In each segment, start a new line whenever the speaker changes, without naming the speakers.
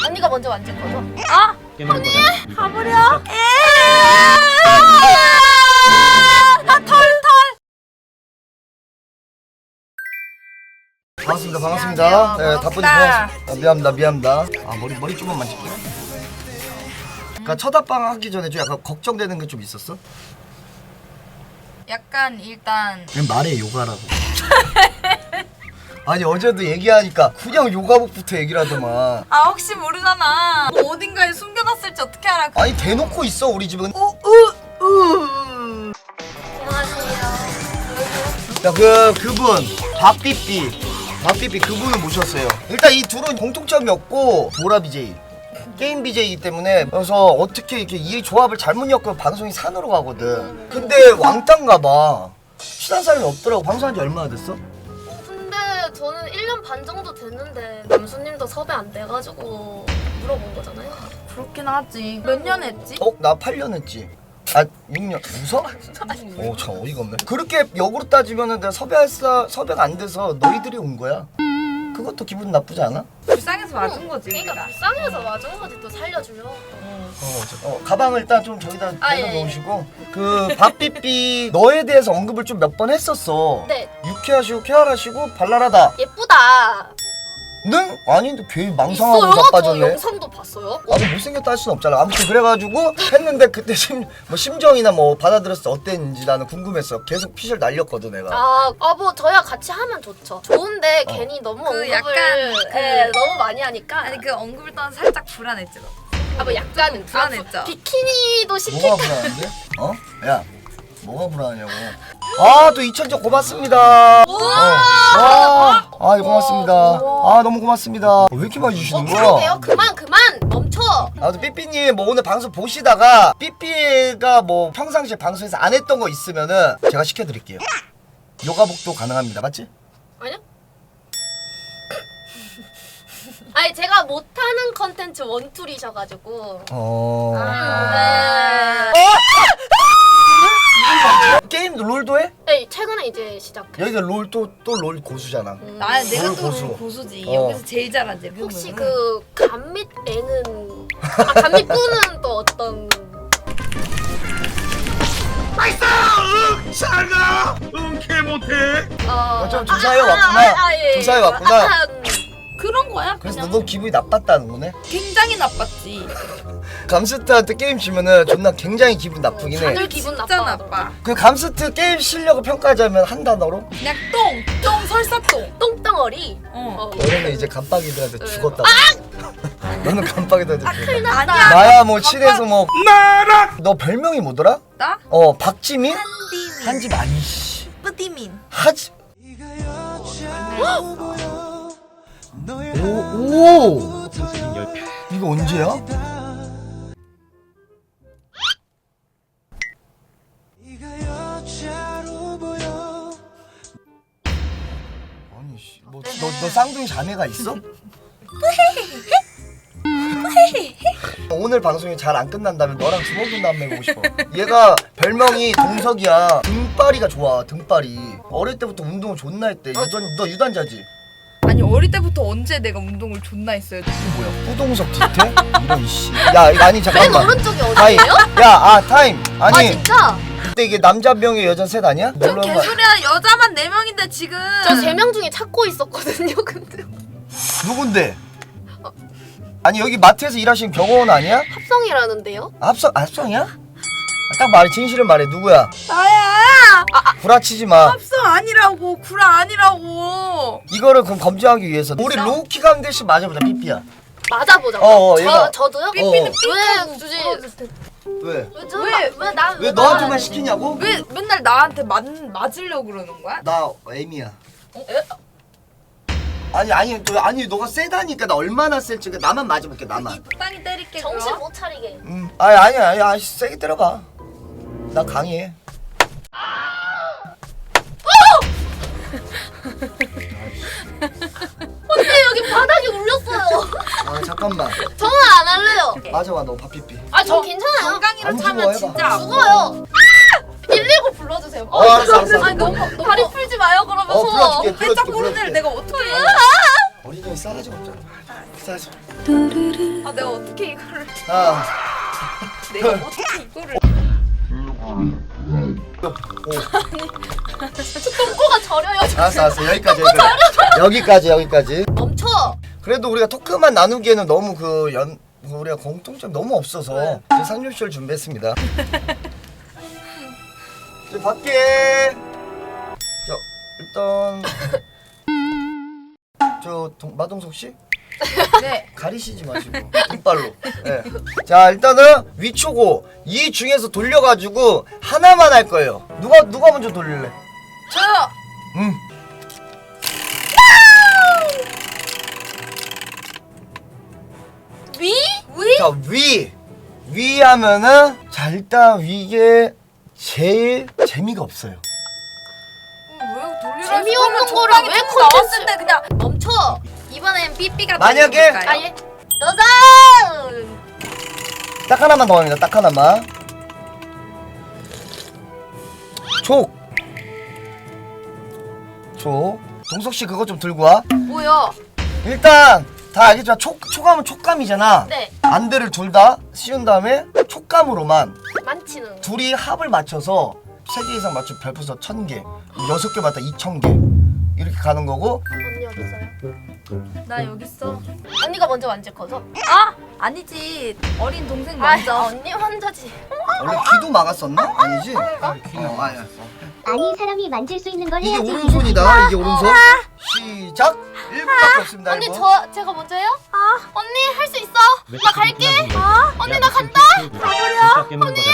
언니가 먼저 만질 거죠?
언니
가버려.
반갑습니다. 반갑습니다. 네, 답변이 고맙습니다. 미안합니다. 아, 머리 조금만 만질게요. 그러니까 첫 합방 하기 전에 좀 약간 걱정되는 게 좀 있었어?
약간 일단
그냥 말해, 요가라고. 아니, 어제도 얘기하니까 그냥 요가복부터 얘기를 하더만.
혹시 모르잖아. 뭐 어딘가에 숨겨놨을지 어떻게 알아?
아니, 대놓고 있어, 우리 집은. 야, 그분 박삐삐 그분을 모셨어요. 일단 이 둘은 공통점이 없고 보라 BJ 게임 BJ이기 때문에, 그래서 어떻게 이렇게 이 조합을 잘못 엮으면 방송이 산으로 가거든. 근데 왕따인가 봐. 친한 사람이 없더라고. 방송한 지 얼마나 됐어?
근데 저는 1년 반 정도 됐는데 남수님도 섭외 안 돼가지고 물어본 거잖아요.
그렇긴 하지. 몇 년 했지?
나 8년 했지. 6년. 웃어? 참 어이가 없네. 그렇게 역으로 따지면은 내가 섭외가 안 돼서 너희들이 온 거야. 그것도 기분 나쁘지 않아?
불쌍해서 맞은 거지.
그러니까 불쌍해서 맞은 거지 또 살려주려.
가방을 일단 좀 저기다
예.
내려놓으시고. 그 박삐삐 너에 대해서 언급을 좀 몇 번 했었어.
네.
유쾌하시고 쾌활하시고 발랄하다.
예쁘다.
는? 아니 근데 괜히 망상하고
있어요? 저
자빠졌네.
영상도 봤어요.
나도 못생겼다 할 수는 없잖아. 아무튼 그래가지고 했는데 그때 심정이나 뭐 받아들였을 때 어땠는지 나는 궁금했어. 계속 피셜 날렸거든 내가.
뭐 저야 같이 하면 좋죠. 좋은데 괜히 너무
그
언급을
약간
너무 많이 하니까.
아니 그 언급을 떠나 살짝 불안했지.
뭐 약간
불안했죠.
비키니도 시킬
뭐가
때.
불안한데? 야, 뭐가 불안하냐고. 또 2,000점 고맙습니다. 고맙습니다. 너무 고맙습니다. 왜 이렇게 많이 주시는 거야?
그러게요. 그만 멈춰.
아무튼 삐삐님 뭐 오늘 방송 보시다가 삐삐가 뭐 평상시에 방송에서 안 했던 거 있으면은 제가 시켜드릴게요. 요가복도 가능합니다. 맞지?
아니요? 아니 제가 못하는 컨텐츠 원툴이셔가지고.
게임 롤도 해?
네, 최근에 이제 시작.
여기가 롤 또 롤 고수잖아.
내가
롤
또
고수.
고수지. 여기서 제일 잘하지.
혹시 그 감밑 애는 감밑 꾸는 또 어떤?
잘가! 개 못해!
좀 조사해 왔구나.
예.
조사해 왔구나.
그런 거야.
그래서
그냥
너 기분이 나빴다는 거네?
굉장히 나빴지.
감스트한테 게임 지면은 존나 굉장히 기분 나쁘긴 해.
다들 기분
진짜
나빠.
나빠.
그 감스트 게임 실력을 평가하자면 한 단어로?
그냥 똥 설사똥.
똥덩어리.
너네는 이제 감빡이들한테 죽었다. 너는 감빡이들한테 죽었다.
큰일 났다.
나야 뭐 친해서 뭐.
나락!
너 별명이 뭐더라?
나?
박지민?
한디민.
한집 아니씨.
뿌디민.
하지. 오. 이거 언제야? 아니 씨, 너 쌍둥이 자매가 있어? 오늘 방송이 잘 안 끝난다면 너랑 주먹 도 한번 해보고 싶어. 얘가 별명이 동석이야. 등발이가 좋아. 등발이. 어릴 때부터 운동을 존나 했대. 너 유단자지?
아니 어릴 때부터 언제 내가 운동을 존나 했어요.
이게 뭐야? 후동석 뒤태? 이런 씨. 야 이거 아니
맨
잠깐만.
오른쪽이
타임.
어디예요?
야 타임. 아니
진짜?
근데 이게 남자 병에 여자 셋 아니야?
좀 개소리야. 여자만 4명인데 지금.
저 3명 중에 찾고 있었거든요. 근데
누군데? 아니 여기 마트에서 일하시는 경호원 아니야?
합성이라는데요?
합성이야? 딱 말해. 진실을 말해. 누구야?
나야.
구라치지 마.
합성 아니라고. 구라 아니라고.
이거를 그럼 검증하기 위해서 우리 로우키가 한 대씩 맞아보자. 삐삐야.
맞아보자.
얘가.
저도요?
삐삐는
왜 굳이?
왜?
왜
너한테만 시키냐고?
왜 맨날 나한테 맞으려고 그러는 거야?
나 M이야. 아니 너가 세다니까. 나 얼마나 셀지 나만 맞아볼게. 나만.
적당히 때릴게.
정신
그럼.
못 차리게.
아니야 세게 때려봐. 나 강해.
언니 여기 바닥이 울렸어요.
잠깐만.
저는 안 할래요.
맞아봐 너 밥삐삐.
저 괜찮아요.
건강이로
안
차면
죽어, 해봐.
진짜 아파.
죽어요. 119 불러주세요.
알았어.
아니 너무 다리 풀지 마요 그러면서.
불러줄게.
살짝 모르는 애를 내가 어떻게 해?
어린이에 싸가지가 없잖아. 싸가지.
아 내가 어떻게 이거를
아.
내가 어떻게 이거를
똥꼬가 저려요.
알았어. 여기까지.
멈춰.
그래도 우리가 토크만 나누기에는 너무 우리가 공통점 너무 없어서 이제 상륙쇼를 준비했습니다. 이제 밖에 일단 마동석 씨
네.
가리시지 마시고 등발로. 네. 자 일단은 위초고 이 중에서 돌려가지고 하나만 할 거예요. 누가 먼저 돌릴래?
저요.
자 위 하면은 자 일단 이게 제일 재미가 없어요.
왜 돌리라
재미없는
했으면
거를
적당히
왜
좀 나왔을
콘텐츠-
때 그냥
멈춰. 이번엔 삐삐가
만약에-
돌릴까요? 아예 도전.
딱 하나만 더 합니다. 딱 하나만. 족. 동석 씨 그거 좀 들고 와.
뭐야?
일단 다 알겠지만 촉감은 촉감이잖아.
네.
안대를 둘 다 씌운 다음에 촉감으로만
만치는.
둘이 합을 맞춰서 3개 이상 맞추면 별풍선 1000개, 6개 맞다 2000개 이렇게 가는 거고.
언니 어디 있어요?
나 여기 있어.
언니가 먼저 만질 거죠?
아 아니지 어린 동생 먼저.
언니 혼자지.
원래 귀도 막았었나? 아니지? 아니야.
아니 사람이 만질 수 있는 걸
이게
해야지.
오른손이다. 이게 오른손. 시작. 1분밖에 없습니다.
언니
1분.
제가 먼저요? 언니 할 수 있어. 나 갈게. 언니 나 간다.
가버려. 언니.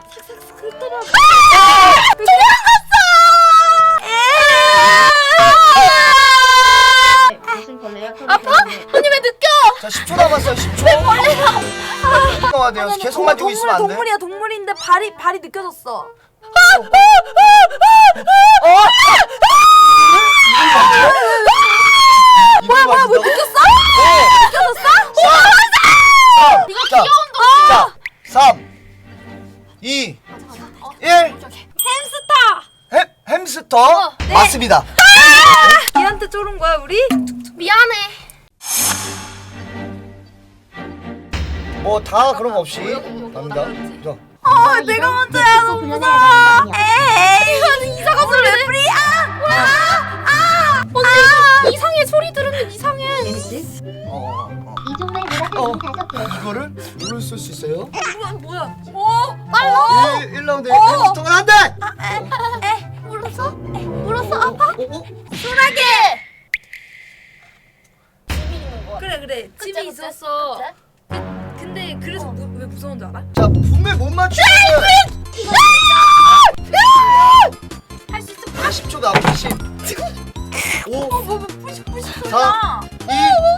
무슨 벌레야?
언니 왜 느껴?
자 10초 남았어요. 10초. 나와야 돼요. 계속 만지고 있으면 안 돼.
동물이야 동물인데 발이 느껴졌어.
뭐야 뭐 느꼈어?
이거 귀여운
자 3 2 1 햄스터
네.
맞습니다.
걔한테 쫄은 거야 우리?
미안해.
뭐 다 그런 거 없이 갑니다. 자.
내가 먼저야 너무 무서워. 에이 이거는 이상한 소리 왜 뿌리?
언니 이상해. 소리 들으면 이상해.
이 종류의 노란색은 5개.
이거를 누를 쓸 수 있어요?
뭐야?
1라운드 햄스터가 안 돼!
물었어? 물었어? 아파?
순하게.
집이 있는 거 같아.
그래
그치,
집이
그치?
있었어.
그치?
근데 그래서 왜 무서운 줄 알아?
자 분명 못 맞추면
할 수 있어.
10초 남았어 10 5
뿌시
4 2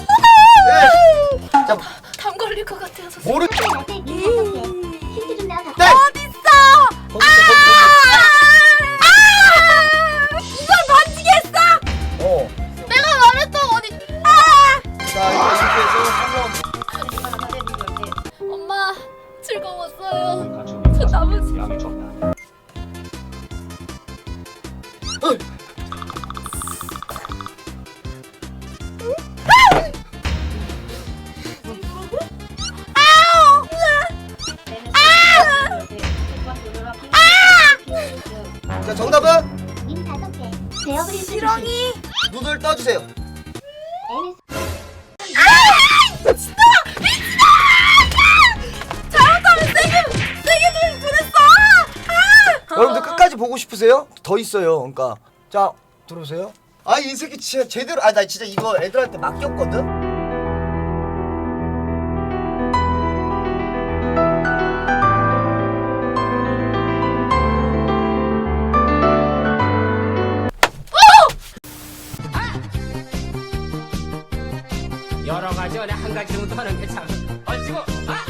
1 자
담 걸릴 것 같아서.
모르
나한테 님 5개. 힌트 좀 나와.
네!
어딨어?
거기 있어
이걸 만지게 했어?
어.
내가 말했던 어디?
자 이렇게 해서 3라운드
엄마 즐거웠어요.
가축이
저 나머지-
양이 적다.
자 정답은
님 5개. 베어브릴 수
지렁이.
눈을 떠주세요.
MS
세게 그랬어.
여러분들 끝까지 보고 싶으세요? 더 있어요. 그러니까 자 들어오세요. 아 이 새끼 진짜 제대로 나 진짜 이거 애들한테 맡겼거든.
여러 가지 안에 한 가지 정도 하는 게 참. 얼치고